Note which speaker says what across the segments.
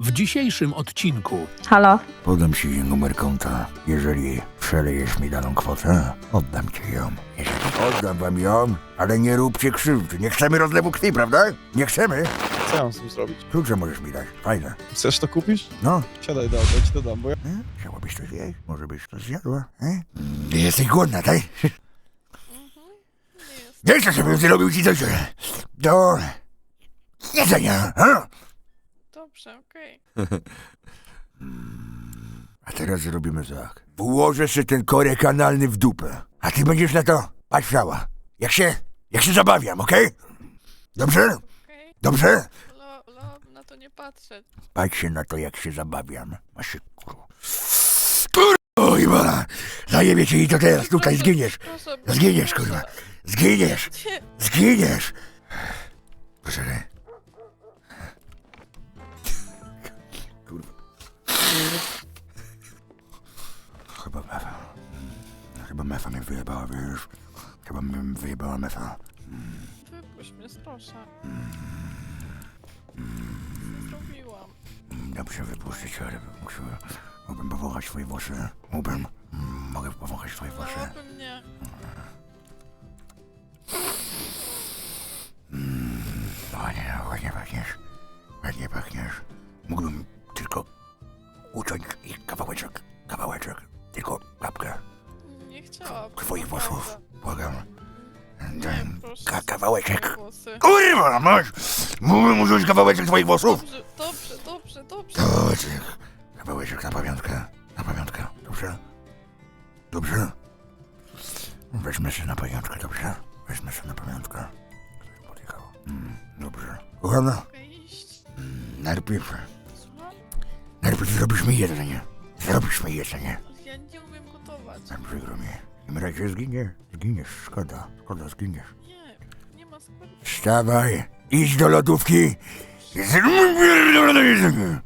Speaker 1: W dzisiejszym odcinku
Speaker 2: Halo?
Speaker 3: Podam ci numer konta. Jeżeli przelejesz mi daną kwotę, oddam ci ją. Oddam wam ją, ale nie róbcie krzywdy. Nie chcemy rozlewu krwi, prawda? Nie chcemy.
Speaker 4: Co ja mam z tym zrobić?
Speaker 3: Klucze możesz mi dać. Fajne.
Speaker 4: Chcesz to kupić?
Speaker 3: No.
Speaker 4: Siadaj do auta, ci to dam, bo ja...
Speaker 3: Chciałabyś coś jeść? Może byś to zjadła? Jesteś głodna, tak? Nie chcę, żebym zrobił ci coś do jedzenia.
Speaker 5: Dobrze, okej.
Speaker 3: A teraz zrobimy tak. Włożę sobie ten korek analny w dupę. A ty będziesz na to patrzała. Jak się zabawiam, okej? Dobrze?
Speaker 5: Okej.
Speaker 3: Dobrze?
Speaker 5: Na to nie patrzeć.
Speaker 3: Patrz się na to, jak się zabawiam. Masz się, kurwa. Kurwa, Iwana! Zajebie cię i to teraz, tutaj zginiesz.
Speaker 5: Proszę,
Speaker 3: Zginiesz,
Speaker 5: proszę.
Speaker 3: kurwa. Zginiesz.
Speaker 5: Nie.
Speaker 3: Zginiesz. Proszę, kurwa. Chyba mefa mnie wyjebała, wiesz. Chyba mnie wyjebała mefa.
Speaker 5: Wypuść mnie, proszę. Co zrobiłam?
Speaker 3: Dobrze wypuścić, ale mógłbym powąchać twoje włosy. Mogę powąchać twoje włosy.
Speaker 5: Dałaby mnie.
Speaker 3: Ładnie pachniesz. Ładnie pachniesz. Mógłbym tylko uciąć ich kawałeczek. Tylko kapkę
Speaker 5: Nie chciałabym.
Speaker 3: twoich włosów.
Speaker 5: naprawdę.
Speaker 3: Błagam.
Speaker 5: Nie,
Speaker 3: Daj
Speaker 5: proszę.
Speaker 3: kawałeczek.
Speaker 5: Moje włosy.
Speaker 3: Kurwa, masz! Mógłbym użyć kawałeczek twoich włosów?
Speaker 5: Dobrze.
Speaker 3: Dobrze. Kawałeczek na pamiątkę. Dobrze? Dobrze? Weźmy się na pamiątkę, dobrze? Weźmy się na pamiątkę. Ktoś podjechał. Dobrze. Kochana,
Speaker 5: Mogę iść.
Speaker 3: najpierw
Speaker 5: Słucham?
Speaker 3: zrobisz mi jedzenie.
Speaker 5: Ale ja nie umiem gotować.
Speaker 3: Przykro mi. W tym razie zginiesz. Szkoda, zginiesz.
Speaker 5: Nie ma składu.
Speaker 3: Wstawaj, idź do lodówki. Zrób pierdolone jedzenie.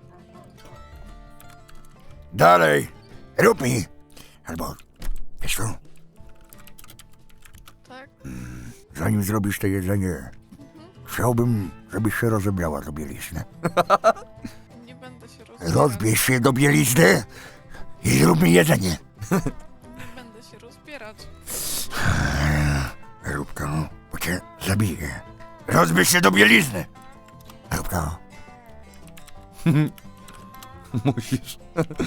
Speaker 3: Dalej, rób mi. Albo, wiesz co,
Speaker 5: Tak?
Speaker 3: zanim zrobisz to jedzenie, chciałbym, żebyś się rozebrała do bielizny.
Speaker 5: Nie będę się rozbierać.
Speaker 3: Rozbierz się do bielizny i zrób mi jedzenie.
Speaker 5: Nie będę się rozbierać.
Speaker 3: Rób to, bo cię zabiję. Rozbierz się do bielizny. Rób to.
Speaker 6: Musisz.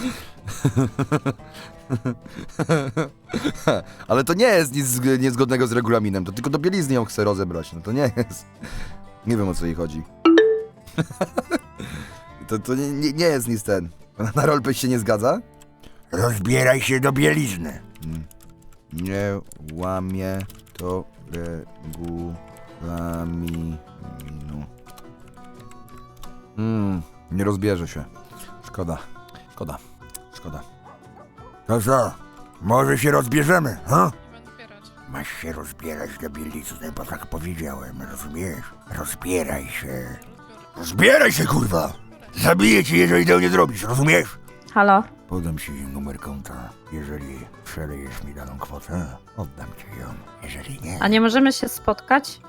Speaker 6: Ale to nie jest nic niezgodnego z regulaminem, to tylko do bielizny ją chcę rozebrać, no to nie jest. Nie wiem, o co jej chodzi. To nie jest nic ten. Na roleplay się nie zgadza?
Speaker 3: Rozbieraj się do bielizny.
Speaker 6: Nie łamie to regulaminu. Nie rozbierze się. Szkoda.
Speaker 3: To co? Może się rozbierzemy, ha?
Speaker 5: Nie będę bierać.
Speaker 3: Masz się rozbierać do bielizny, bo tak powiedziałem, rozumiesz? Rozbieraj się. Rozbieraj się, kurwa! Zabiję cię, jeżeli tego nie zrobisz, rozumiesz?
Speaker 2: Halo?
Speaker 3: Podam ci numer konta. Jeżeli przelejesz mi daną kwotę, oddam ci ją. Jeżeli nie...
Speaker 2: A nie możemy się spotkać?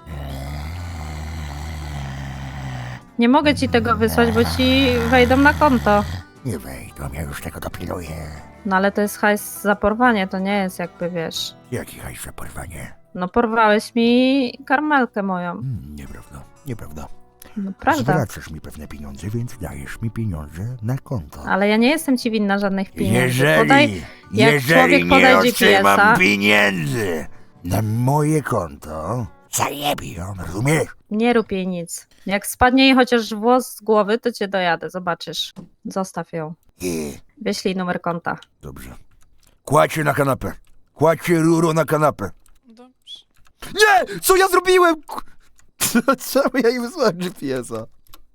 Speaker 2: Nie mogę ci tego wysłać, bo ci wejdą na konto.
Speaker 3: Nie wejdą, ja już tego dopilnuję.
Speaker 2: No ale to jest hajs za porwanie, to nie jest jakby, wiesz...
Speaker 3: Jaki hajs za porwanie?
Speaker 2: No porwałeś mi karmelkę moją.
Speaker 3: Nieprawda.
Speaker 2: No prawda.
Speaker 3: Zwracasz mi pewne pieniądze, więc dajesz mi pieniądze na konto.
Speaker 2: Ale ja nie jestem ci winna żadnych pieniędzy. jak
Speaker 3: Jeżeli
Speaker 2: człowiek
Speaker 3: nie
Speaker 2: podaj
Speaker 3: otrzymam
Speaker 2: GPS-a-
Speaker 3: pieniędzy na moje konto, zajebie ją, rozumiesz?
Speaker 2: Nie rób jej nic. Jak spadnie jej chociaż włos z głowy, to cię dojadę, zobaczysz. Zostaw ją. Wyślij numer konta.
Speaker 3: Dobrze. Kładź się na kanapę. Kładź się, ruro, na kanapę.
Speaker 5: Dobrze.
Speaker 6: Nie! Co ja zrobiłem? Czemu ja jej wysłałem GPS-a?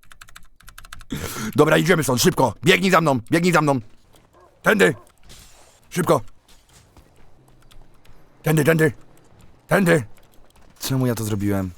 Speaker 3: Dobra, idziemy stąd, szybko. Biegnij za mną. Tędy. Szybko. Tędy.
Speaker 6: Czemu ja to zrobiłem?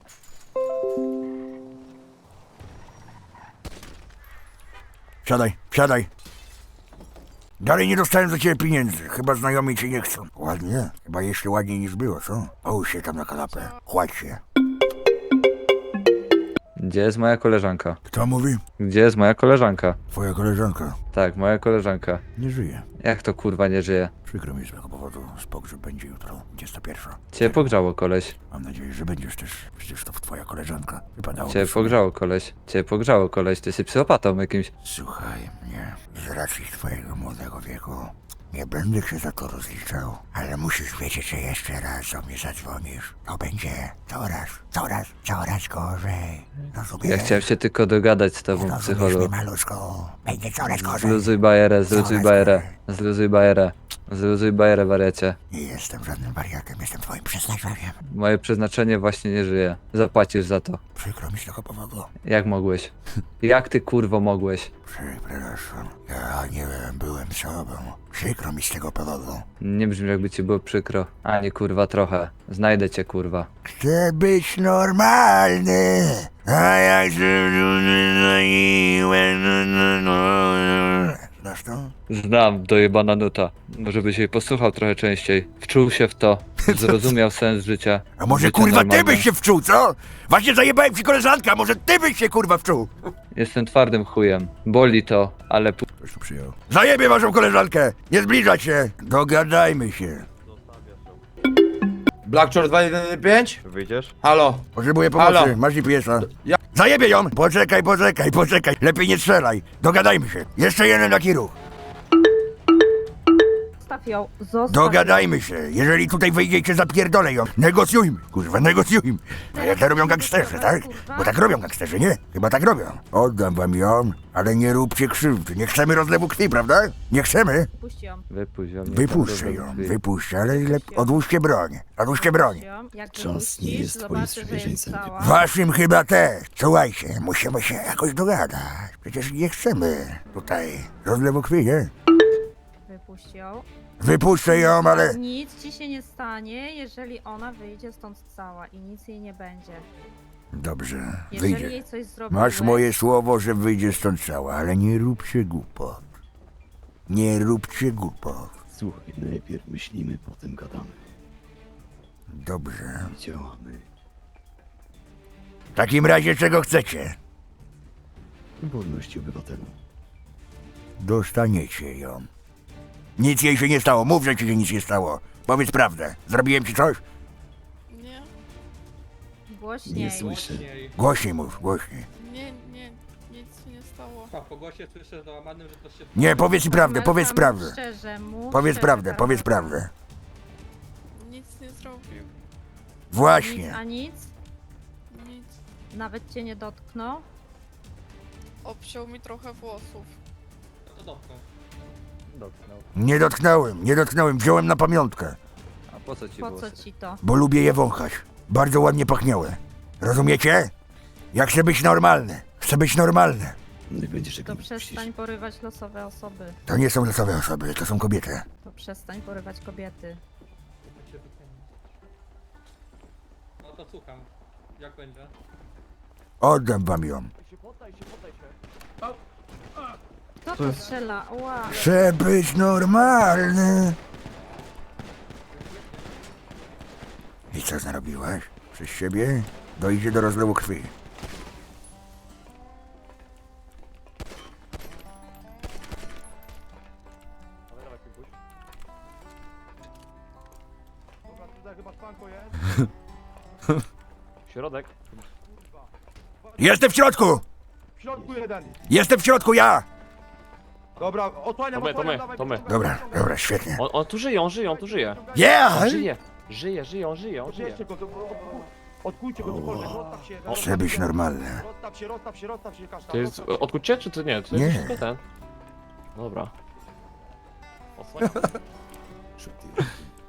Speaker 3: Wsiadaj. Dalej nie dostałem za ciebie pieniędzy. Chyba znajomi cię nie chcą. Ładnie. Chyba jeszcze ładniej niż było, co? Połóż się tam na kanapę. Kładź się.
Speaker 7: Gdzie jest moja koleżanka?
Speaker 3: Kto mówi?
Speaker 7: Gdzie jest moja koleżanka?
Speaker 3: Twoja koleżanka.
Speaker 7: Tak, moja koleżanka.
Speaker 3: Nie żyje.
Speaker 7: Jak to kurwa nie żyje?
Speaker 3: Przykro mi z tego powodu. Pogrzeb będzie jutro, 21.
Speaker 7: Cię pogrzało koleś.
Speaker 3: Mam nadzieję, że będziesz też. Przecież to twoja koleżanka. Wypadało.
Speaker 7: Cię pogrzało koleś. Cię pogrzało koleś. Ty jesteś psychopatą jakimś.
Speaker 3: Słuchaj mnie. Z racji twojego młodego wieku nie będę się za to rozliczał. Ale musisz wiedzieć, że jeszcze raz do mnie zadzwonisz. To będzie coraz gorzej. Rozumiesz?
Speaker 7: Ja chciałem się tylko dogadać z tobą,
Speaker 3: Rozumiesz mnie,
Speaker 7: psycholu.
Speaker 3: maluszku? Będzie coraz gorzej.
Speaker 7: Zluzuj bajerę, zluzuj
Speaker 3: Coraz
Speaker 7: bajerę.
Speaker 3: gorzej.
Speaker 7: Zluzuj bajerę. Zluzuj bajerę, wariacie.
Speaker 3: Nie jestem żadnym wariatem, jestem twoim przeznaczeniem.
Speaker 7: Moje przeznaczenie właśnie nie żyje. Zapłacisz za to.
Speaker 3: Przykro mi z tego powodu.
Speaker 7: Jak mogłeś? Jak ty kurwo mogłeś?
Speaker 3: Przepraszam. Ja nie byłem sobą. Przykro mi z tego powodu.
Speaker 7: Nie brzmi jakby ci było przykro. Ani kurwa trochę. Znajdę cię kurwa.
Speaker 3: Chcę być normalny. A jak się Znasz to?
Speaker 7: Znam, dojebana nuta. Może byś jej posłuchał trochę częściej. Wczuł się w to. Zrozumiał sens życia.
Speaker 3: A może
Speaker 7: Życie
Speaker 3: kurwa ty
Speaker 7: normalne.
Speaker 3: byś się wczuł, co? Właśnie zajebałem ci koleżanka, może ty byś się kurwa wczuł?
Speaker 7: Jestem twardym chujem. Boli to, ale
Speaker 3: Ktoś tu przyjął. Zajebie waszą koleżankę! Nie zbliżać się! Dogadajmy się.
Speaker 8: Blackshore 215?
Speaker 4: Wyjdziesz?
Speaker 8: Halo.
Speaker 3: Potrzebuję pomocy,
Speaker 8: Halo.
Speaker 3: masz GPS-a.
Speaker 8: Ja-
Speaker 3: Zajebie ją! Poczekaj. Lepiej nie strzelaj. Dogadajmy się. Jeszcze jeden taki ruch.
Speaker 2: Zostaw ją, zostaw
Speaker 3: Dogadajmy się. Jeżeli tutaj wyjdzie i cię zapierdolę ją. Negocjujmy. Kurwa, negocjujmy. A jak to robią gangsterzy, tak? Bo tak robią gangsterzy, nie? Chyba tak robią. Oddam wam ją, ale nie róbcie krzywdy. Nie chcemy rozlewu krwi, prawda? Nie chcemy?
Speaker 2: Puść ją.
Speaker 7: wypuść ją.
Speaker 3: Wypuszczę ją, wypuszczę, ale odłóżcie broń. Odłóżcie broń.
Speaker 2: Puść ją. Jak
Speaker 1: Cząst nie
Speaker 2: wypuścisz,
Speaker 1: jest twoim
Speaker 2: zobaczysz, że
Speaker 1: sprzymierzeńcem,
Speaker 2: jest cała.
Speaker 3: Waszym chyba też. Słuchajcie, musimy się jakoś dogadać. Przecież nie chcemy tutaj rozlewu krwi, nie?
Speaker 2: Wypuść ją.
Speaker 3: Wypuszczę ją, ale...
Speaker 2: Nic ci się nie stanie, jeżeli ona wyjdzie stąd cała i nic jej nie będzie.
Speaker 3: Dobrze,
Speaker 2: Jeżeli
Speaker 3: wyjdzie.
Speaker 2: jej coś zrobiłeś...
Speaker 3: Masz moje słowo, że wyjdzie stąd cała, ale nie róbcie głupot. Nie róbcie głupot.
Speaker 1: Słuchaj, najpierw myślimy, potem gadamy.
Speaker 3: Dobrze.
Speaker 1: Działamy.
Speaker 3: W takim razie czego chcecie?
Speaker 1: Wolności obywatelu.
Speaker 3: Dostaniecie ją. Nic jej się nie stało, mów, że ci się nic nie stało. Powiedz prawdę. Zrobiłem ci coś?
Speaker 5: Nie,
Speaker 2: Głośniej.
Speaker 1: Nie słyszę.
Speaker 3: Głośniej mów, głośniej.
Speaker 5: nie, nic się nie stało.
Speaker 8: Po głosie słyszę załamanym, że to się...
Speaker 3: Nie, powiedz mi prawdę,
Speaker 2: Melka,
Speaker 3: powiedz
Speaker 2: mów
Speaker 3: prawdę.
Speaker 2: Szczerze, mów
Speaker 3: Powiedz
Speaker 2: szczerze,
Speaker 3: prawdę,
Speaker 2: teraz.
Speaker 3: powiedz prawdę.
Speaker 5: Nic nie zrobił.
Speaker 2: Nic,
Speaker 3: Właśnie.
Speaker 2: a nic?
Speaker 5: Nic.
Speaker 2: Nawet cię nie dotknął?
Speaker 5: Obciął mi trochę włosów.
Speaker 8: No to dotknął.
Speaker 7: Dotknął.
Speaker 3: Nie dotknąłem, wziąłem na pamiątkę.
Speaker 7: A po co ci
Speaker 2: Po co
Speaker 7: włosy?
Speaker 2: ci to?
Speaker 3: Bo lubię je wąchać. Bardzo ładnie pachniały. Rozumiecie? Ja chcę być normalny. Chcę być normalny.
Speaker 1: Nie będziesz
Speaker 2: To
Speaker 1: jak nie
Speaker 2: przestań
Speaker 1: puścisz.
Speaker 2: porywać losowe osoby.
Speaker 3: To nie są losowe osoby, to są kobiety.
Speaker 2: To przestań porywać kobiety.
Speaker 8: No to słucham. Jak będzie?
Speaker 3: Oddam wam ją.
Speaker 2: Kto to strzela? Ła.
Speaker 3: Chcę być normalny. I co narobiłaś? Przez siebie dojdzie do rozlewu krwi.
Speaker 4: Środek.
Speaker 3: Jestem w środku!
Speaker 4: W środku jeden.
Speaker 3: Jestem w środku, ja!
Speaker 4: Dobra, odsłaniam,
Speaker 9: To my.
Speaker 3: Dobra, świetnie.
Speaker 9: On tu żyje, on tu żyje.
Speaker 3: Yeah!
Speaker 9: Żyje.
Speaker 4: Odbierzcie go, odkujcie go cokolwiek, rozstaw się.
Speaker 3: Chcę być normalny.
Speaker 4: Rozstaw się, kasztan.
Speaker 9: To jest odkucie, czy to nie? To
Speaker 3: Nie.
Speaker 9: jest wszystko ten. Dobra. Osłaniam.
Speaker 1: Szybciej.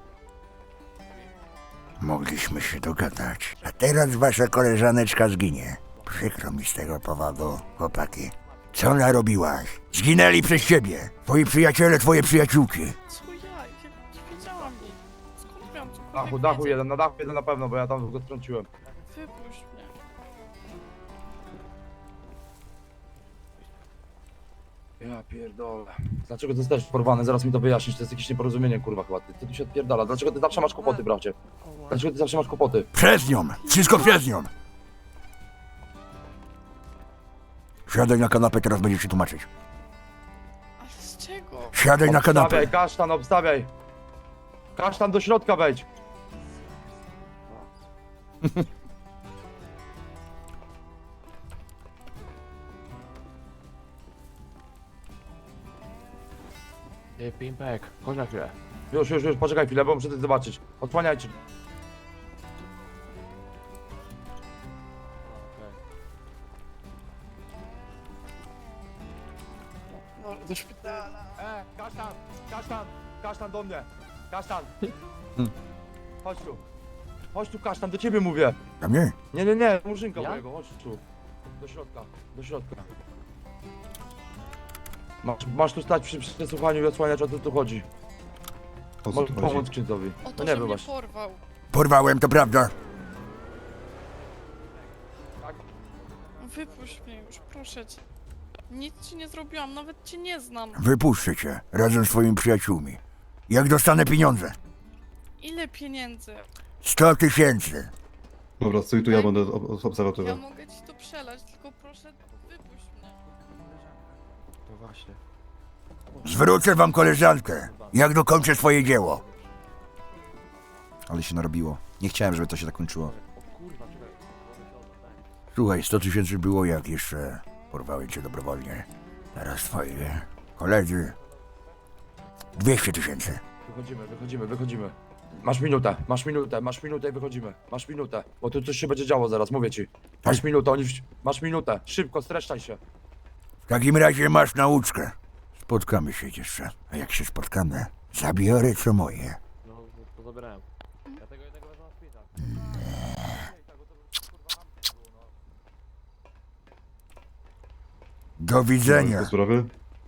Speaker 3: Mogliśmy się dogadać. A teraz wasza koleżaneczka zginie. Przykro mi z tego powodu, chłopaki. Co narobiłaś? Zginęli przez ciebie. Twoi przyjaciele, twoje przyjaciółki.
Speaker 5: Co ja? Ja nie wiedziałam nic. Skąd miałam cokolwiek
Speaker 4: Dachu
Speaker 5: wiedzieć?
Speaker 4: jeden, na dachu jeden na pewno, bo ja tam go strąciłem.
Speaker 5: Wypuść mnie.
Speaker 4: Ja pierdolę. Dlaczego ty jesteś porwany? Zaraz mi to wyjaśnisz, to jest jakieś nieporozumienie, kurwa, chyba. Ty tu się odpierdala. Dlaczego ty zawsze masz kłopoty, bracie? Dlaczego ty zawsze masz kłopoty?
Speaker 3: Przez nią. Wszystko przez nią. Siadaj na kanapę, teraz będziesz się tłumaczyć.
Speaker 5: Ale z czego?
Speaker 3: Siadaj na kanapę.
Speaker 4: Obstawiaj, kasztan, obstawiaj. Kasztan do środka wejdź.
Speaker 9: Ty, Pimpek, chodź na chwilę.
Speaker 4: Już, poczekaj chwilę, bo muszę coś zobaczyć. Odsłaniajcie.
Speaker 5: No, do szpitala.
Speaker 4: Kasztan do mnie. Kasztan. Chodź tu, kasztan, do ciebie mówię.
Speaker 3: A mnie?
Speaker 4: Nie, murzynka
Speaker 9: Ja?
Speaker 4: mojego, chodź tu. Do środka. Masz tu stać przy przesłuchaniu i odsłaniać, o co tu chodzi. Możesz pomóc księdzowi.
Speaker 5: O
Speaker 4: No
Speaker 5: to,
Speaker 4: nie
Speaker 5: że mnie
Speaker 4: wybacz.
Speaker 5: porwał.
Speaker 3: Porwałem, to prawda.
Speaker 5: Wypuść mnie już, proszę cię. Nic ci nie zrobiłam, nawet cię nie znam.
Speaker 3: Wypuszczę cię, razem z twoimi przyjaciółmi. Jak dostanę pieniądze?
Speaker 5: Ile pieniędzy?
Speaker 3: 100 000.
Speaker 10: Dobra, stój tu, ja będę
Speaker 5: Ja
Speaker 10: obserwatorem.
Speaker 5: mogę ci to przelać, tylko proszę, wypuść mnie.
Speaker 9: No właśnie.
Speaker 3: Zwrócę wam koleżankę, jak dokończę swoje dzieło.
Speaker 6: Ale się narobiło. Nie chciałem, żeby to się tak kończyło.
Speaker 9: O kurwa, czekaj.
Speaker 3: Słuchaj, 100 000 było, jak jeszcze porwałem cię dobrowolnie. Teraz twoi koledzy. 200 000.
Speaker 4: Wychodzimy. Masz minutę i wychodzimy. Masz minutę, bo tu coś się będzie działo zaraz, mówię ci. Masz minutę, masz minutę, szybko, streszczaj się.
Speaker 3: W takim razie masz nauczkę. Spotkamy się jeszcze. A jak się spotkamy, zabiorę co moje.
Speaker 9: No, to zabierałem. Ja tego jednego wezmę na szpital.
Speaker 3: Do widzenia.
Speaker 10: Te sprawy?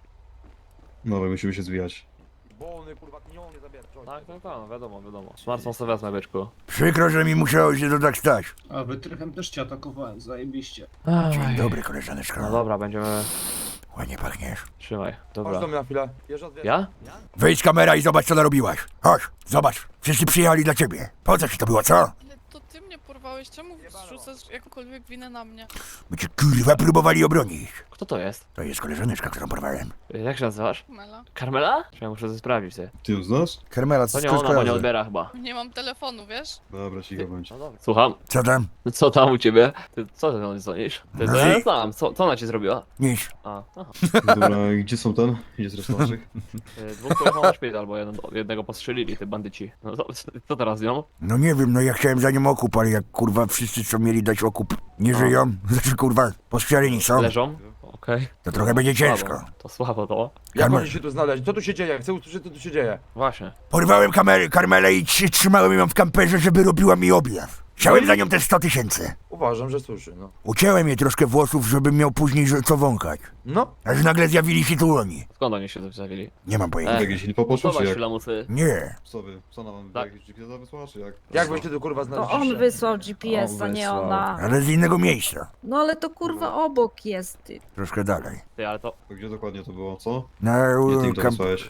Speaker 10: Dobra, musimy się zwijać.
Speaker 4: Wolny, kurwa, nie zabierz.
Speaker 9: Tak, wiadomo. Smartfon sobie wezmę, byczku.
Speaker 3: Przykro, że mi musiało się to tak stać.
Speaker 11: A wytrychem też cię atakowałem, zajebiście.
Speaker 3: Dzień dobry, koleżaneczko.
Speaker 9: No dobra, będziemy...
Speaker 3: Ładnie pachniesz.
Speaker 9: Trzymaj,
Speaker 4: Chodź
Speaker 9: dobra.
Speaker 4: do mnie na chwilę. Bierz odwiedzę.
Speaker 9: Ja?
Speaker 3: Wyjdź z kamera i zobacz, co narobiłaś. Chodź, zobacz. Wszyscy przyjechali dla ciebie. Po co ci to było, co?
Speaker 5: Ale to ty mnie porwałeś, czemu zrzucasz jakąkolwiek winę na mnie?
Speaker 3: By cię kurwa próbowali obronić.
Speaker 9: Kto to jest?
Speaker 3: To jest koleżaneczka, którą porwałem.
Speaker 9: Jak się nazywasz?
Speaker 5: Mela.
Speaker 9: Karmela? Czy ja muszę to sprawdzić, ty?
Speaker 10: Ty ją znasz?
Speaker 6: Karmela,
Speaker 9: To
Speaker 6: co
Speaker 9: nie
Speaker 6: skąd
Speaker 9: ona, bo nie
Speaker 6: kojarzy?
Speaker 9: odbiera chyba.
Speaker 5: Nie mam telefonu, wiesz?
Speaker 10: Dobra, cicho bądź.
Speaker 9: No dobra. Słucham.
Speaker 3: Co tam?
Speaker 9: Co tam u ciebie? Ty, co ty do niej dzwonisz? Ty, to
Speaker 3: No
Speaker 9: ja
Speaker 3: i-
Speaker 9: znam. Co ona ci zrobiła?
Speaker 3: Nic.
Speaker 9: A, aha.
Speaker 10: Dobra, gdzie są ten? Gdzie jest reszta naszych?
Speaker 9: Dwóch pojechał na szpital, bo jednego postrzelili, te bandyci. No co teraz z nią?
Speaker 3: No nie wiem, no ja chciałem za nią okup, ale jak kurwa wszyscy, co mieli dać okup, nie żyją, znaczy kurwa, postrzeleni są,
Speaker 9: Leżą? Okej.
Speaker 3: to trochę będzie ciężko.
Speaker 9: Słabo. To słabo to.
Speaker 4: Jak
Speaker 3: Karmel-
Speaker 4: oni się tu znaleźli? Co tu się dzieje? Chcę usłyszeć, co tu się dzieje.
Speaker 9: Właśnie.
Speaker 3: Porwałem Karmelę i trzymałem ją w kamperze, żeby robiła mi objaw. Chciałem za nią te 100 000.
Speaker 4: Uważam, że słyszy, no.
Speaker 3: Ucięłem jej troszkę włosów, żebym miał później co wąchać.
Speaker 4: No,
Speaker 3: Aż nagle zjawili się tu oni.
Speaker 9: Skąd oni się tu zawili?
Speaker 3: Nie mam pojęcia.
Speaker 10: Jakieś info poszło, czy
Speaker 9: Zobacz
Speaker 10: jak?
Speaker 9: lamusy.
Speaker 3: Nie.
Speaker 10: Co nam
Speaker 9: Tak.
Speaker 10: jakieś GPS wysłała, czy jak?
Speaker 4: jak byście tu kurwa
Speaker 2: To
Speaker 4: znaleźliście?
Speaker 2: on wysłał GPS, a
Speaker 6: On
Speaker 2: nie
Speaker 6: wysłał.
Speaker 2: ona.
Speaker 3: Ale z innego miejsca.
Speaker 2: No ale to kurwa obok jest.
Speaker 3: Troszkę dalej.
Speaker 9: Ty, ale to...
Speaker 10: To gdzie dokładnie to było, co?
Speaker 3: Na,
Speaker 10: Gdzie ty im to wysłałeś?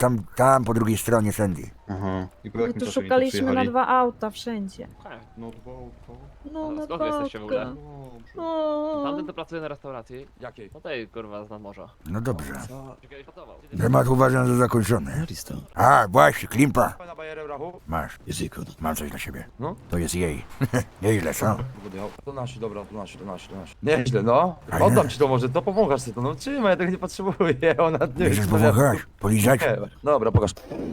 Speaker 3: tam po drugiej stronie Sandy.
Speaker 10: Aha. I po
Speaker 2: My
Speaker 10: jakim
Speaker 2: tu
Speaker 10: czasie oni
Speaker 2: szukaliśmy na
Speaker 10: przyjechali?
Speaker 2: 2 auta wszędzie.
Speaker 10: No dwa,
Speaker 2: No na
Speaker 9: Skąd wy jesteście w ogóle?
Speaker 2: No.
Speaker 9: Tamten to pracuje na restauracji.
Speaker 4: Jakiej?
Speaker 9: No tej kurwa z nadmorza.
Speaker 3: No dobrze.
Speaker 9: Czy kiedyś pracował?
Speaker 3: Temat uważam za zakończony.
Speaker 1: Listo.
Speaker 3: A, właśnie, Klimpa.
Speaker 4: Pana bajerę rachu?
Speaker 3: Masz,
Speaker 1: Jest jej kod.
Speaker 3: mam coś dla siebie.
Speaker 4: No.
Speaker 3: To jest jej. Nieźle, co?
Speaker 4: To nasi, dobra, to nasi. Nieźle, no. Oddam ci to może, to pomagasz sobie to, no trzymaj, ja tego nie potrzebuję, ona nie
Speaker 3: Będziesz pomagać? Polizać?
Speaker 4: Nie, dobra, pokaż.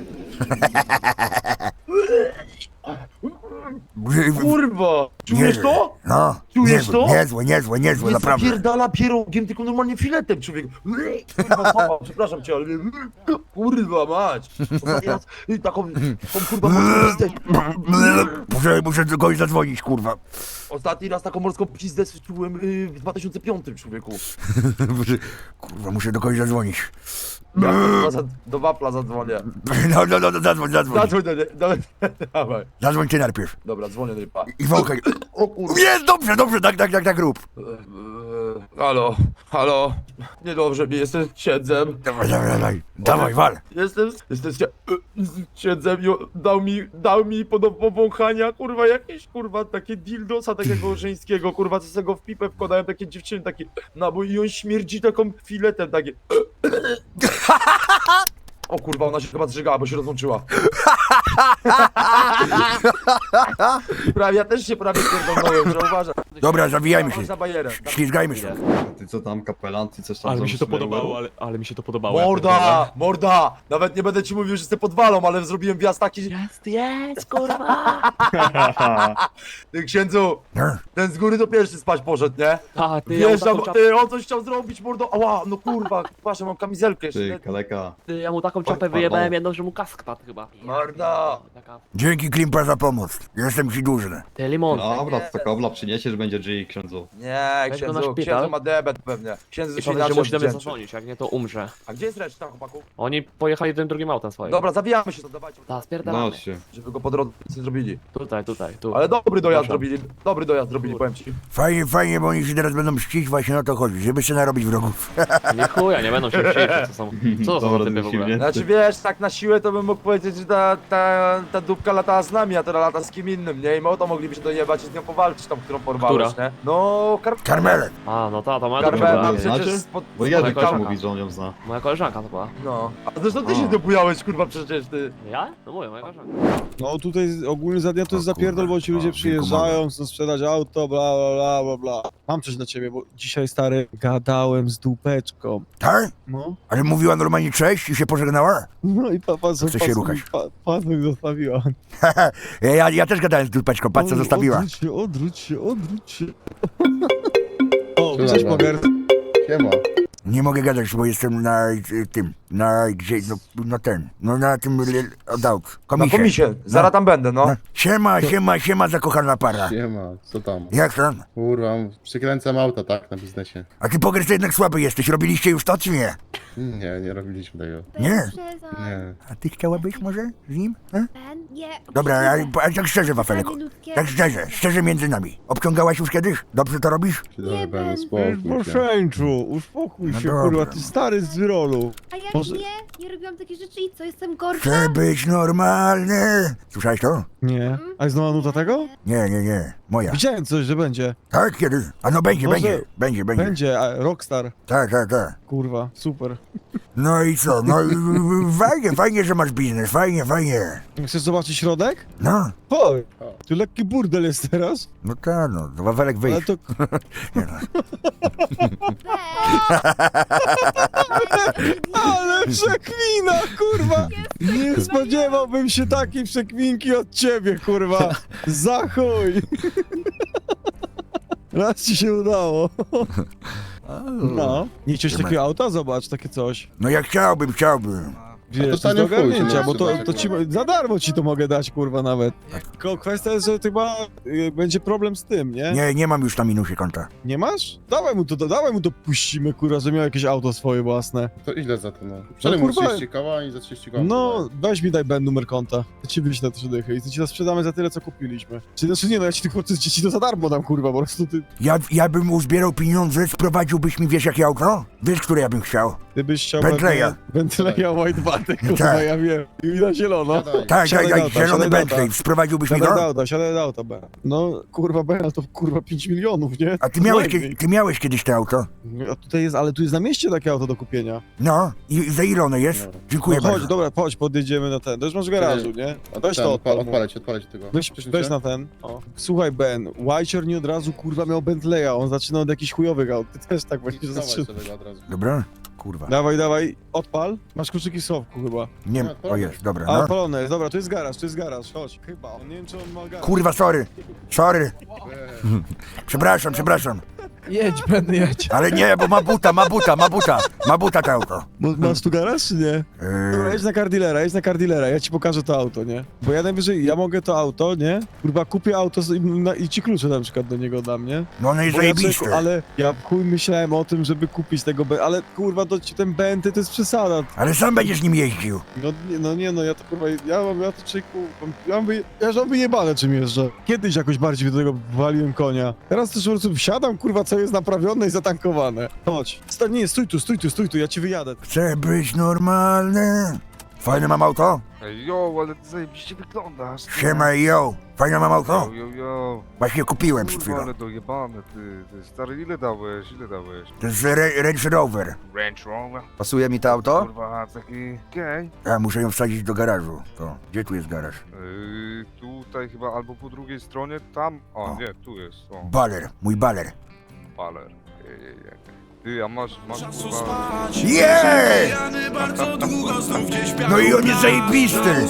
Speaker 4: Kurwa! Czujesz to?
Speaker 3: No,
Speaker 4: Czujesz to?
Speaker 3: niezłe,
Speaker 4: Nie
Speaker 3: naprawdę.
Speaker 4: zapierdala pierogiem, tylko normalnie filetem, człowiek. Kurwa, mama, przepraszam cię, ale... Kurwa, mać. Ostatni raz taką kurwa morską pizdę...
Speaker 3: Muszę do kogoś zadzwonić, kurwa.
Speaker 4: Ostatni raz taką morską pizdę czułem w 2005, człowieku.
Speaker 3: Kurwa, muszę do kogoś zadzwonić.
Speaker 4: Do wafla zadzwonię.
Speaker 6: No, zadzwoń.
Speaker 4: Zadzwoń do nie, dawaj.
Speaker 6: Zadzwoń ty najpierw.
Speaker 4: Dobra, dzwonię do nieba.
Speaker 6: I wąchaj.
Speaker 4: O kurwa.
Speaker 6: Jest, dobrze, tak rób.
Speaker 4: Halo. Niedobrze mi, jestem księdzem.
Speaker 6: Dawaj, wal.
Speaker 4: Jestem księdzem i dał mi do powąchania, kurwa, jakieś, kurwa, takie dildosa takiego żeńskiego, kurwa, co sobie go w pipę wkładają, takie dziewczyny, taki nabój i on śmierdzi taką filetem, takie... O kurwa, ona się chyba zżygała, bo się rozłączyła. Ja też się prawie pierdolnąłem, że uważam.
Speaker 6: Dobra, zawijajmy się.
Speaker 4: Za bajerę.
Speaker 6: Ślizgajmy się.
Speaker 10: Ty co tam, kapelan, ty coś tam
Speaker 9: Ale mi się to
Speaker 10: zamyśliłeś?
Speaker 9: podobało, ale mi się to podobało. ja pierdolę.
Speaker 4: Morda! Nawet nie będę ci mówił, że jestem podwalą, ale zrobiłem wjazd taki...
Speaker 9: Jest, kurwa!
Speaker 4: Ty księdzu,
Speaker 6: No.
Speaker 4: ten z góry to pierwszy spać poszedł, nie?
Speaker 9: A, ty, ja mu
Speaker 4: Wjeżdżam,
Speaker 9: taką czapę,
Speaker 4: ty, on coś chciał zrobić, mordo, ała, no kurwa, patrz, mam kamizelkę jeszcze.
Speaker 10: Ty, kaleka.
Speaker 9: ja mu taką czapę
Speaker 10: Pardon.
Speaker 9: wyjebałem jedną, że mu kask padł chyba.
Speaker 4: Morda!
Speaker 9: Taka...
Speaker 6: Dzięki Klimpa za pomoc. Jestem ci dłużny.
Speaker 9: Ty, limon.
Speaker 10: Dobra, to kobla przyniesiesz, będzie G, księdzu.
Speaker 4: Nie,
Speaker 9: Weź go na
Speaker 4: księdzu,
Speaker 9: szpital.
Speaker 4: księdzu ma debet pewnie. Księdzu
Speaker 9: I
Speaker 4: się
Speaker 9: powiedz, że
Speaker 4: inaczej
Speaker 9: musi do mnie
Speaker 4: odwdzięczy.
Speaker 9: zadzwonić, jak nie to umrze.
Speaker 4: A gdzie jest reszta, chłopaku?
Speaker 9: Oni pojechali jednym drugim autem swoim.
Speaker 4: Dobra, zawijamy się, to dawajcie,
Speaker 9: Ta,
Speaker 10: No
Speaker 9: spierdalamy.
Speaker 10: się.
Speaker 4: żeby go po drodze zrobili.
Speaker 9: Tutaj, tu.
Speaker 4: Ale dobry dojazd
Speaker 9: Proszę.
Speaker 4: zrobili, powiem ci.
Speaker 6: Fajnie, bo oni się teraz będą mścić, właśnie o to chodzi, żeby się narobić wrogów.
Speaker 9: Nie chuja, nie będą się mścić, co to są
Speaker 10: Dobra,
Speaker 9: za typy w ogóle?
Speaker 4: Znaczy wiesz, tak na siłę to bym mógł powiedzieć, że ta dupka latała z nami, a teraz lata z kim innym, nie? I my o to moglibyśmy dojebać i z nią powalczyć, tą, którą porwałeś,
Speaker 9: Która?
Speaker 4: nie? No,
Speaker 6: Karmelek.
Speaker 9: A, no to ma
Speaker 4: Karmela
Speaker 10: Karmela,
Speaker 4: przecież
Speaker 10: znaczy?
Speaker 4: spod...
Speaker 10: Bo Jadek
Speaker 9: Jakaś
Speaker 10: też
Speaker 9: taka.
Speaker 10: mówi, że on ją zna.
Speaker 9: Moja koleżanka to była.
Speaker 4: No. A zresztą ty
Speaker 10: O.
Speaker 4: się dobujałeś, kurwa, przecież ty.
Speaker 9: Ja? No mówię, moja koleżanka.
Speaker 12: No tutaj ogólnie za dnia to jest
Speaker 6: O
Speaker 12: zapierdol, bo ci
Speaker 6: kurwa,
Speaker 12: ludzie
Speaker 6: o,
Speaker 12: przyjeżdżają, chcą sprzedać auto, bla. Mam coś dla ciebie, bo dzisiaj, stary, gadałem z dupeczką.
Speaker 6: Tak?
Speaker 12: No.
Speaker 6: Ale mówiła normalnie cześć i się pożegnała?
Speaker 12: No i papa
Speaker 6: Chce się ruchać.
Speaker 12: Pasek zostawiła.
Speaker 6: Ja też gadałem z dupeczką, patrz co zostawiła.
Speaker 12: Odwróć się. O, cześć Poger.
Speaker 10: Siema.
Speaker 6: Nie mogę gadać, bo jestem na tym, na tym od aut.
Speaker 4: Na
Speaker 6: Komisie.
Speaker 4: komisie, zaraz tam będę, no.
Speaker 6: Siema, zakochana para.
Speaker 10: Siema, co tam?
Speaker 6: Jak tam?
Speaker 10: Kurwa, przykręcam auta, tak, na biznesie.
Speaker 6: A ty Poger to jednak słaby jesteś, robiliście już to czy nie?
Speaker 10: Nie robiliśmy tego.
Speaker 6: Nie?
Speaker 10: Nie.
Speaker 6: A ty chciałabyś może z nim?
Speaker 13: Nie.
Speaker 6: Dobra, ale tak szczerze, Wafelek. Tak szczerze między nami. Obciągałaś już kiedyś? Dobrze to robisz?
Speaker 10: Przydały będę
Speaker 12: Poszeńczu, uspokój się,
Speaker 6: dobra.
Speaker 12: kurwa, ty stary z Wyrolu.
Speaker 13: A ja
Speaker 12: Może-
Speaker 13: nie robiłam takich rzeczy i co, jestem gorsza?
Speaker 6: Chcę być normalny. Słyszałeś to?
Speaker 12: Nie. A jest nowa nuta tego?
Speaker 6: Nie. Moja.
Speaker 12: Widziałem coś, że będzie.
Speaker 6: Tak, kiedy? A no będzie.
Speaker 12: Będzie, a Rockstar.
Speaker 6: Tak.
Speaker 12: Kurwa, super.
Speaker 6: No i co? No fajnie, że masz biznes, fajnie.
Speaker 12: Chcesz zobaczyć środek?
Speaker 6: No,
Speaker 12: Chodź. Tu lekki burdel jest teraz,
Speaker 6: no tak, no, Wafelek
Speaker 12: ale
Speaker 6: wyjść.
Speaker 12: to...
Speaker 6: Nie, no.
Speaker 12: Ale przekwina, kurwa! Nie spodziewałbym się takiej przekwinki od ciebie, kurwa! Za chuj! Raz ci się udało. No. Nie chciałeś takiego auta? Zobacz, takie coś.
Speaker 6: No ja chciałbym.
Speaker 12: Wiesz, to jest do ogarnięcia, bo to ci za darmo ci to mogę dać, kurwa, nawet. Tylko kwestia jest, że chyba będzie problem z tym, nie?
Speaker 6: Nie mam już na minusie konta.
Speaker 12: Nie masz? Dawaj mu to puścimy, kurwa, że miał jakieś auto swoje własne.
Speaker 10: To ile za to, no?
Speaker 12: No, kurwa,
Speaker 10: 30 koła i za 30 koła.
Speaker 12: no, weź mi daj numer konta. Ja ci wyślę 3 dychy i to ci to sprzedamy za tyle, co kupiliśmy. Znaczy nie, no ja ci tylko ci to za darmo dam, kurwa, po prostu ty...
Speaker 6: Ja bym uzbierał pieniądze, sprowadziłbyś mi, wiesz jakie auto? Wiesz, które ja bym chciał?
Speaker 12: Gdybyś chciał...
Speaker 6: Bentleya.
Speaker 12: Bentleya White Baty, kurwa,
Speaker 6: Tak.
Speaker 12: ja wiem. I na zielono.
Speaker 6: Tak,
Speaker 12: Siadaj do auta,
Speaker 6: zielony
Speaker 12: siadaj do
Speaker 6: Bentley,
Speaker 12: auta.
Speaker 6: sprowadziłbyś mi go?
Speaker 12: Siadaj do auta, B. No, kurwa, B, ale to kurwa 5 milionów, nie?
Speaker 6: A
Speaker 12: Najmniej.
Speaker 6: ty miałeś kiedyś to auto?
Speaker 12: A tutaj jest, ale tu jest na mieście takie auto do kupienia.
Speaker 6: No, i za ile ono jest?
Speaker 10: Dobra.
Speaker 6: Dziękuję
Speaker 12: No chodź,
Speaker 6: bardzo.
Speaker 12: dobra, chodź, podjedziemy na ten. To już masz w garażu, nie? A weź to odpal.
Speaker 10: Odpalę ci tego.
Speaker 12: Weź na ten. O. Słuchaj, Ben, Whicher nie od razu kurwa miał Bentleya, on zaczyna od jakichś chujowych aut. Ty też tak będziesz zaczynał.
Speaker 6: Dobra? Kurwa.
Speaker 12: Dawaj, odpal. Masz kluczyki w schowku chyba.
Speaker 6: Nie, o jest, dobra,
Speaker 12: A
Speaker 6: no.
Speaker 12: odpalone jest, dobra, tu jest garaż, chodź. Chyba, on nie wiem czy on ma garaż.
Speaker 6: Kurwa, sorry. Przepraszam.
Speaker 12: Jedź, Ben, jedź.
Speaker 3: Ale nie, bo ma buta to auto.
Speaker 12: Masz tu garaż, czy nie? Dobra, jedź na car dealera, ja ci pokażę to auto, nie? Bo ja najwyżej, ja mogę to auto, nie? Kurwa, kupię auto i ci klucze na przykład do niego dam, nie?
Speaker 3: No one jest
Speaker 12: Bo ja
Speaker 3: zajebiste.
Speaker 12: człowieku, ale ja chuj myślałem o tym, żeby kupić tego ale kurwa, ten Benty to jest przesada.
Speaker 3: Ale sam będziesz nim jeździł.
Speaker 12: No ja to kurwa, ja to człowieku, ja mam wyjebane czym jeżdżę. Kiedyś jakoś bardziej do tego waliłem konia. Teraz też po prostu wsiadam, kurwa, co jest naprawione i zatankowane. Chodź. Nie, stój tu, ja ci wyjadę.
Speaker 3: Chcę być normalny. Fajne mam auto?
Speaker 4: Jo, ale ty zajebiście wyglądasz.
Speaker 3: Siema, yo. Fajne mam auto?
Speaker 4: Jo.
Speaker 3: Właśnie kupiłem przed
Speaker 4: Kurwa,
Speaker 3: chwilą.
Speaker 4: ale dojebane, ty stary, ile dałeś?
Speaker 3: To jest Range Rover.
Speaker 4: Range Rover?
Speaker 6: Pasuje mi to auto?
Speaker 4: Kurwa, taki gej.
Speaker 3: Ja muszę ją wsadzić do garażu. To, gdzie tu jest garaż?
Speaker 4: Tutaj chyba, albo po drugiej stronie, tam.
Speaker 3: O.
Speaker 4: Nie, tu jest,
Speaker 3: Baler, mój baler.
Speaker 4: Baler. Ty, a masz kurwa...
Speaker 3: Jej! No i on jest zajebisty!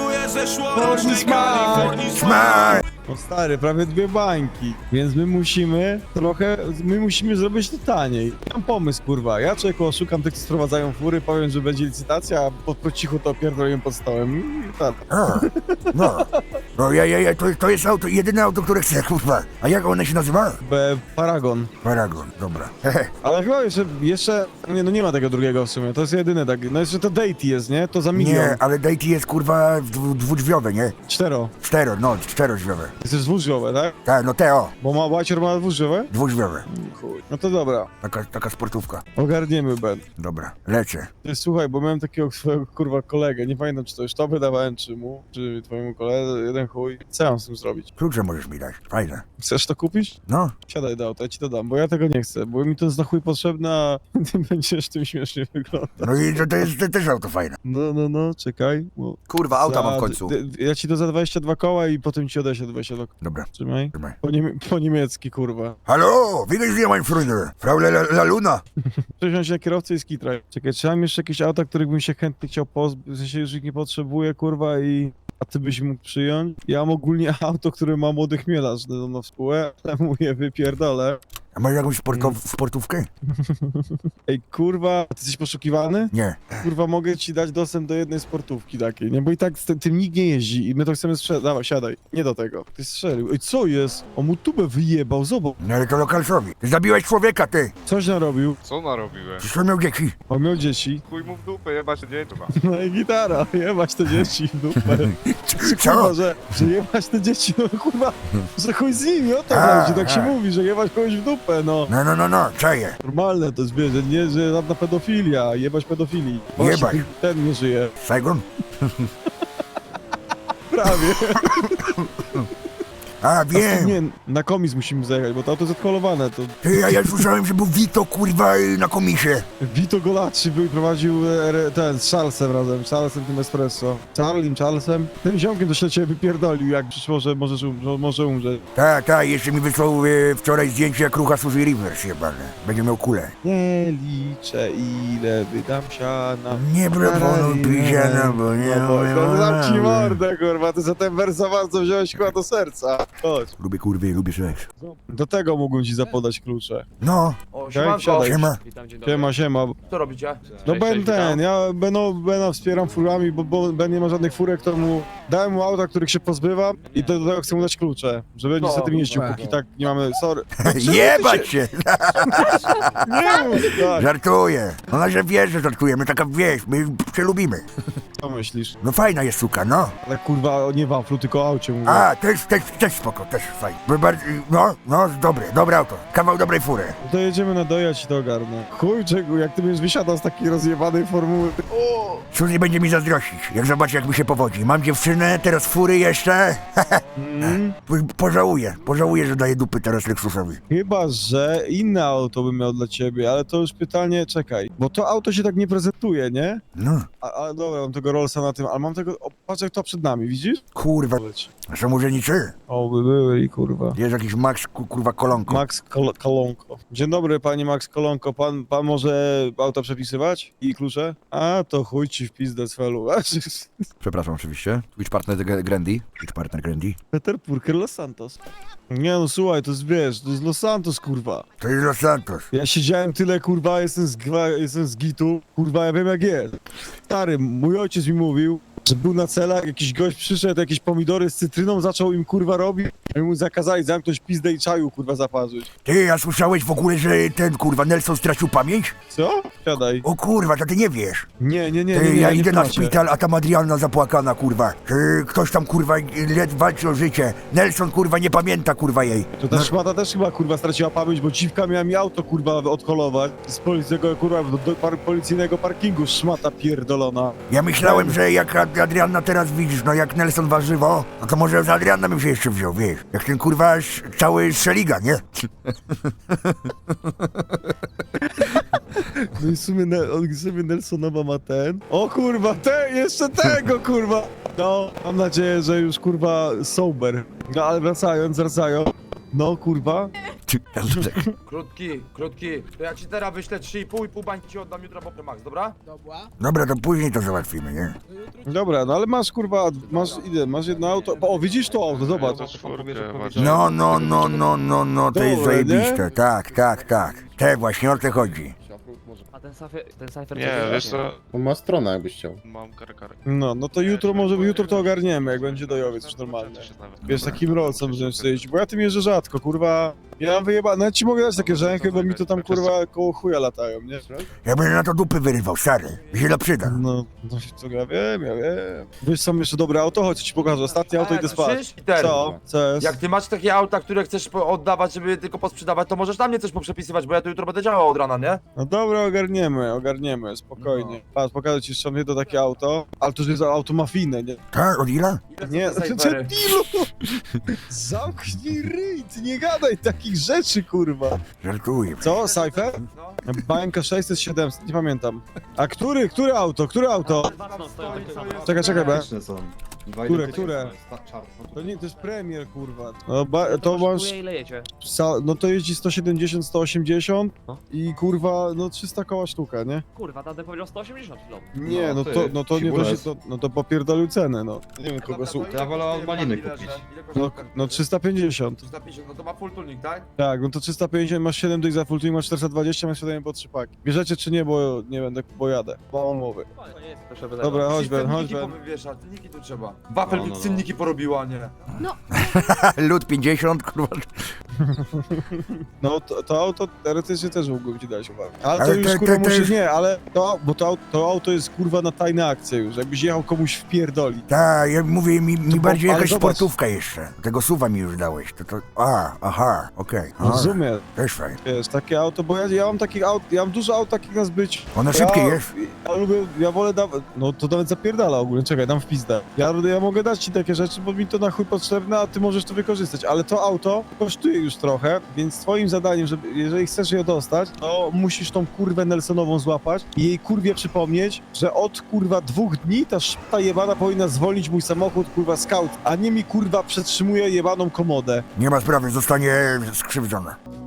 Speaker 3: Smaj!
Speaker 12: No stary, prawie 2 bańki, więc my musimy zrobić to taniej. Mam pomysł, kurwa, ja człowieku oszukam tych, co sprowadzają fury, powiem, że będzie licytacja, a po cichu to pierdolę pod stołem. Tak.
Speaker 3: No, to jest auto, jedyne auto, które chcę, kurwa. A jak one się nazywa?
Speaker 12: Paragon.
Speaker 3: Paragon, dobra.
Speaker 12: Ale chyba jeszcze nie ma tego drugiego w sumie, to jest jedyne tak, no jeszcze to Deity jest, nie? To za milion.
Speaker 3: Nie, ale Deity jest, kurwa, dwudrzwiowe, nie?
Speaker 12: 4.
Speaker 3: Czterodrzwiowe.
Speaker 12: Jesteś dwudrzwiowe, tak?
Speaker 3: Tak, no Teo,
Speaker 12: Bo Łacior ma dwudrzwiowe?
Speaker 3: dwudrzwiowe.
Speaker 12: Chuj. No to dobra,
Speaker 3: Taka sportówka.
Speaker 12: ogarniemy, Ben.
Speaker 3: Dobra, lecę.
Speaker 12: Ty, słuchaj, bo miałem takiego swojego kurwa kolegę, nie pamiętam czy to już tobie dawałem, czy twojemu koledze, jeden chuj. Co ja mam z tym zrobić?
Speaker 3: Klucze możesz mi dać, fajne.
Speaker 12: Chcesz to kupić?
Speaker 3: No,
Speaker 12: Siadaj do auta, ja ci to dam, bo ja tego nie chcę, bo mi to jest na chuj potrzebne, a ty będziesz tym śmiesznie wyglądać.
Speaker 3: no i to jest też auto fajne.
Speaker 12: No, czekaj. Bo
Speaker 6: Kurwa, auta mam w końcu.
Speaker 12: Ja ci to za 22 koła i potem ci odeślę 22 koła.
Speaker 3: Dobra,
Speaker 12: Trzymaj.
Speaker 3: trzymaj.
Speaker 12: Po niemiecki, kurwa.
Speaker 3: Hallo, wie Sie, mein Freunde? Frau La Luna.
Speaker 12: Przesiąść na kierowcę i skitraj. Czekaj, czy mam jeszcze jakieś auta, których bym się chętnie chciał pozbyć, w sensie już ich nie potrzebuję, kurwa, a ty byś mógł przyjąć? Ja mam ogólnie auto, które ma młody chmielarz na współę, ale mu je wypierdolę.
Speaker 3: A masz jakąś sportówkę?
Speaker 12: Ej, kurwa, ty jesteś poszukiwany?
Speaker 3: Nie.
Speaker 12: Kurwa, mogę ci dać dostęp do jednej sportówki takiej, nie? Bo i tak z tym nikt nie jeździ i my to chcemy sprzedać. Dawaj, siadaj. Nie do tego. Ty strzelił. Ej, co jest? On mu tubę wyjebał, zobacz.
Speaker 3: No ale to lokalsowi. Ty zabiłeś człowieka, ty.
Speaker 12: Coś narobił.
Speaker 4: Co narobiłem?
Speaker 3: Przecież on miał dzieci.
Speaker 12: On miał dzieci.
Speaker 4: Chuj mu w dupę, jebać się dzieci.
Speaker 12: No i gitara. Jebać te dzieci w dupę.
Speaker 3: Co?
Speaker 12: Kurwa, że jebać te dzieci, no kurwa, że chuj z nimi, o to chodzi. Tak się mówi, że jebać kogoś w dupę, no.
Speaker 3: No, czaję.
Speaker 12: Normalne to jest, wiesz, że nie, że żadna pedofilia, jebać pedofilii.
Speaker 3: Jebać.
Speaker 12: Właśnie, ten nie żyje.
Speaker 3: Saigon?
Speaker 12: Prawie.
Speaker 3: A, wiem.
Speaker 12: Nie, na komis musimy zajechać, bo to auto jest odholowane, to...
Speaker 3: Ty, ja słyszałem, że był Vito, kurwa, na komisie.
Speaker 12: Vito Golacci był i prowadził ten z Charlesem razem, Charlesem tym espresso. Charlesem. Tym ziomkiem to się ciebie wypierdolił, jak przyszło, że może umrzeć.
Speaker 3: Tak, jeszcze mi wysłał wczoraj zdjęcie, jak rucha Suzy Rivers, jebane. Będzie miał kulę.
Speaker 12: Nie liczę, ile wydam siana.
Speaker 3: Nie proponuj piziana, bo nie
Speaker 12: No, dam ci mordę, kurwa, ty za ten wers za bardzo wziąłeś chyba do serca. Chodź.
Speaker 3: Lubię kurwy, lubię seks.
Speaker 12: Do tego mógłbym ci zapodać klucze.
Speaker 3: No,
Speaker 4: O,
Speaker 12: Okej, wsiadaj.
Speaker 3: siema.
Speaker 9: Witam, dzień dobry.
Speaker 12: Siema.
Speaker 4: Co robicie?
Speaker 12: No
Speaker 9: Cześć,
Speaker 12: Ben
Speaker 9: cześć,
Speaker 12: ten,
Speaker 9: witam.
Speaker 12: ja Bena wspieram furami, bo Ben nie ma żadnych furek, to dałem mu auta, których się pozbywam i do tego chcę mu dać klucze, że będzie sobie tym jeździł, póki tak nie mamy, sorry.
Speaker 3: Jebać się!
Speaker 12: Nie mów tak,
Speaker 3: Żartuję. Ona, że wiesz, że żartujemy, taka wieś, my się lubimy.
Speaker 12: co myślisz?
Speaker 3: No fajna jest suka, no.
Speaker 12: Ale kurwa, nie waflu, tylko o aucie mówię.
Speaker 3: A, też spoko, też fajnie. Bo bardziej, no, dobre auto. Kawał dobrej fury.
Speaker 12: To jedziemy na dojazd i to ogarnę. Chuj, czego, jak ty będziesz wysiadał z takiej rozjebanej formuły. O!
Speaker 3: Suzy będzie mi zazdrościć, jak zobaczy, jak mi się powodzi. Mam dziewczynę, teraz fury jeszcze. Pożałuję, że daję dupy teraz Lexusowi.
Speaker 12: Chyba, że inne auto bym miał dla ciebie, ale to już pytanie, czekaj, bo to auto się tak nie prezentuje, nie?
Speaker 3: No,
Speaker 12: A dobra, mam tego Rollsa na tym, ale mam tego, patrz jak to przed nami, widzisz?
Speaker 3: kurwa, są urzędniczy?
Speaker 12: O, by byli, kurwa.
Speaker 3: Jest jakiś Max, kurwa, kolonko.
Speaker 12: Max Kolonko. Dzień dobry, panie Max Kolonko, pan może auto przepisywać? I klucze? A, to chuj Chuj ci w pizdę z felu.
Speaker 6: Przepraszam oczywiście. Twitch partner Grandy. Twitch partner Grandy.
Speaker 12: Peter Purker Los Santos. Nie no, słuchaj, to jest, wiesz, to jest Los Santos, kurwa.
Speaker 3: To jest Los Santos.
Speaker 12: Ja siedziałem tyle, kurwa, jestem z gitu, kurwa, ja wiem jak jest. Stary, mój ojciec mi mówił, że był na celach, jakiś gość przyszedł, jakieś pomidory z cytryną, zaczął im, kurwa, robić, a mu zakazali zamknąć pizdę i czaju, kurwa, zaparzyć.
Speaker 3: Ty, a słyszałeś w ogóle, że ten kurwa Nelson stracił pamięć?
Speaker 12: Co? Siadaj.
Speaker 3: O kurwa, to ty nie wiesz.
Speaker 12: Nie,
Speaker 3: Ty, ja
Speaker 12: nie
Speaker 3: idę na
Speaker 12: płaczę.
Speaker 3: szpital, a tam Adrianna zapłakana, kurwa. Ktoś tam, kurwa, walczy o życie. Nelson, kurwa, nie pamięta, kurwa, jej.
Speaker 12: To ta szmata też chyba, kurwa, straciła pamięć, bo dziwka miała mi auto, kurwa, odholować z policyjnego, kurwa, do policyjnego parkingu, szmata pierdolona.
Speaker 3: Ja myślałem, że jak Adrianna teraz widzisz, no jak Nelson warzywo, no to może z Adrianna bym się jeszcze wziął, wiesz. Jak ten, kurwa, cały szeliga, nie?
Speaker 12: No i w sumie, Nelsonowa ma ten. O kurwa, jeszcze tego kurwa! No, mam nadzieję, że już kurwa sober. No ale wracając. No kurwa.
Speaker 4: Krótki. To ja ci teraz wyślę 3,5 bańki ci oddam jutro po max, dobra?
Speaker 3: Dobra, to później to załatwimy, nie?
Speaker 12: Dobra, no ale masz kurwa, masz jedno auto. O, widzisz to auto, zobacz.
Speaker 3: No, to jest
Speaker 12: Dobre,
Speaker 3: zajebiste, tak. Te właśnie o to chodzi.
Speaker 9: A ten cyfer
Speaker 10: Nie, wiesz co?
Speaker 1: On ma stronę, jakbyś chciał.
Speaker 10: Mam karę.
Speaker 12: No to jutro to ogarniemy, jak będzie dojowiec już normalnie. Wiesz, takim rolcem wziąć sobie jeździć, bo ja tym jeżdżę rzadko, kurwa. Ja mam wyjebane, nawet ci mogę dać takie rzęchy, bo mi to tam kurwa koło chuja latają, nie?
Speaker 3: Ja będę na to dupy wyrywał, stary. Się to przyda.
Speaker 12: No, co ja wiem. Wiesz, są jeszcze dobre auto, chodź ci pokażę, ostatnie auto idę spać.
Speaker 4: Słyszysz, Peter?
Speaker 12: Co? Co jest?
Speaker 4: Jak ty masz takie auta, które chcesz oddawać, żeby tylko posprzedawać, to możesz na mnie coś poprzepisywać, bo ja tu jutro będę działał od rana, nie?
Speaker 12: No dobra, ogarniemy, spokojnie.
Speaker 4: No.
Speaker 12: Patrz, pokażę ci jeszcze jedno takie auto, ale to już jest auto mafijne, nie?
Speaker 3: Tak, od ile?
Speaker 12: Nie,
Speaker 4: Te
Speaker 12: ty
Speaker 4: cyfery.
Speaker 12: debilu! Zamknij ryj, ty nie gadaj takich rzeczy, kurwa.
Speaker 3: Żartuję.
Speaker 12: Co, Cypher?
Speaker 4: No.
Speaker 12: Bańka 600, 700, nie pamiętam. A który auto? Czekaj, be. Które? To nie, to jest premier, kurwa. No, to masz...
Speaker 9: Ile jecie?
Speaker 12: No to jeździ 170, 180
Speaker 9: No.
Speaker 12: i kurwa, no 300 koła sztuka, nie?
Speaker 9: Kurwa, tamten powiedział 180 kilo.
Speaker 12: Nie, no to popierdolił cenę, no. Nie wiem kogo słucha.
Speaker 10: Ja wolę od maliny kupić.
Speaker 12: No 350.
Speaker 4: 350, no to ma full tuning, tak?
Speaker 12: Tak, no to 350, masz 7 dych za full tuning, masz 420, masz 7 po 3 paki. Bierzecie czy nie, bo nie będę, bo jadę. Bo mam mowy. Dobra, chodź Ben.
Speaker 4: Cenniki powywieszać, cenniki tu trzeba. Wafel mi cenniki porobiła, nie?
Speaker 3: Lud 50, kurwa.
Speaker 12: No to auto teoretycznie też mógłbym ci dać uwagę. Ale to
Speaker 3: Ale
Speaker 12: już
Speaker 3: te-
Speaker 12: kurwa
Speaker 3: te- te-
Speaker 12: musi, nie, ale bo to auto jest kurwa na tajne akcje już, jakbyś jechał komuś w pierdoli.
Speaker 3: Tak, ja mówię, mi bardziej
Speaker 12: ale
Speaker 3: jakaś
Speaker 12: zobacz.
Speaker 3: sportówka jeszcze. Tego suwa mi już dałeś. Aha, okej.
Speaker 12: Rozumiem.
Speaker 3: Też fajnie.
Speaker 12: Wiesz, takie auto, bo ja mam takich aut, ja mam dużo aut takich na zbycie.
Speaker 3: Ono szybkie jest.
Speaker 12: Ja wolę dawać, no to nawet zapierdala ogólnie, czekaj, dam w pizdę. Ja mogę dać ci takie rzeczy, bo mi to na chuj potrzebne, a ty możesz to wykorzystać, ale to auto kosztuje już trochę, więc twoim zadaniem, żeby, jeżeli chcesz je dostać, to musisz tą kurwę Nelsonową złapać i jej kurwie przypomnieć, że od kurwa 2 dni ta jebana powinna zwolnić mój samochód, kurwa scout, a nie mi kurwa przetrzymuje jebaną komodę.
Speaker 3: Nie ma sprawy, zostanie skrzywdzona.